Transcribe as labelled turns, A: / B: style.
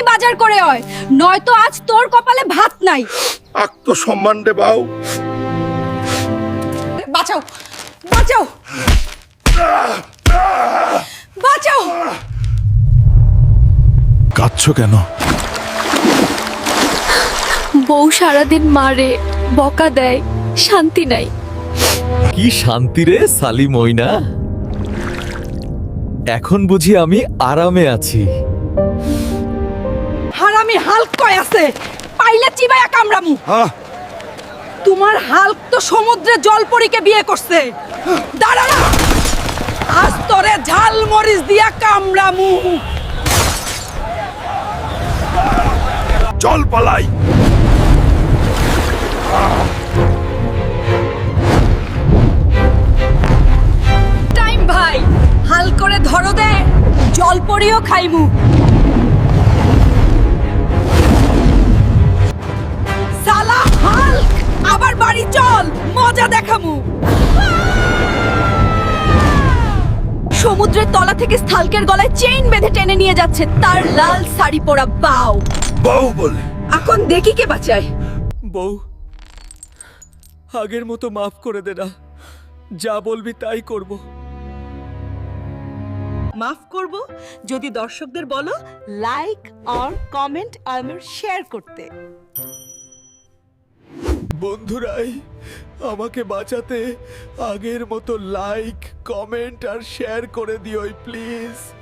A: বাজার করে হয়, নয়তো আজ তোর কপালে ভাত নাই।
B: আত্মসম্মান রে বাউ।
A: বাঁচাও, বাঁচাও, বাঁচাও।
B: কাঁদছো কেন?
C: বউ সারাদিন মারে, বকা দেয়, শান্তি নাই।
D: কি শান্তি রে সালি মইনা, এখন বুঝি আমি আরামে আছি।
A: হারামি হাল্ক কয় আছে, পাইলে চিবায়া কামড়ামু। তোমার হাল্ক তো সমুদ্রে জলপরীকে বিয়ে করছে। দাঁড়া না, আজ তোরে ঝাল মরিচ দিয়া কামড়ামু।
B: চল পালাই।
A: টাইম ভাই, হাল করে ধরো দে, জলপরীও খাইমু। সালা হাল্ক, আবার বাড়ি চল, মজা দেখামু। সমুদ্রের তলা থেকে স্থালকের গলায় চেইন বেঁধে টেনে নিয়ে যাচ্ছে তার লাল শাড়ি পরা বাউ।
B: বাউ বলে
A: এখন দেখি কে বাঁচায়।
D: বউ, আগের মতো মাফ করে দে না, যা বলবি তাই করব।
E: মাফ করব যদি দর্শকদের বলো লাইক আর কমেন্ট আর শেয়ার করতে।
D: বন্ধুরাই আমাকে বাঁচাতে আগের মতো লাইক, কমেন্ট আর শেয়ার করে দিও প্লিজ।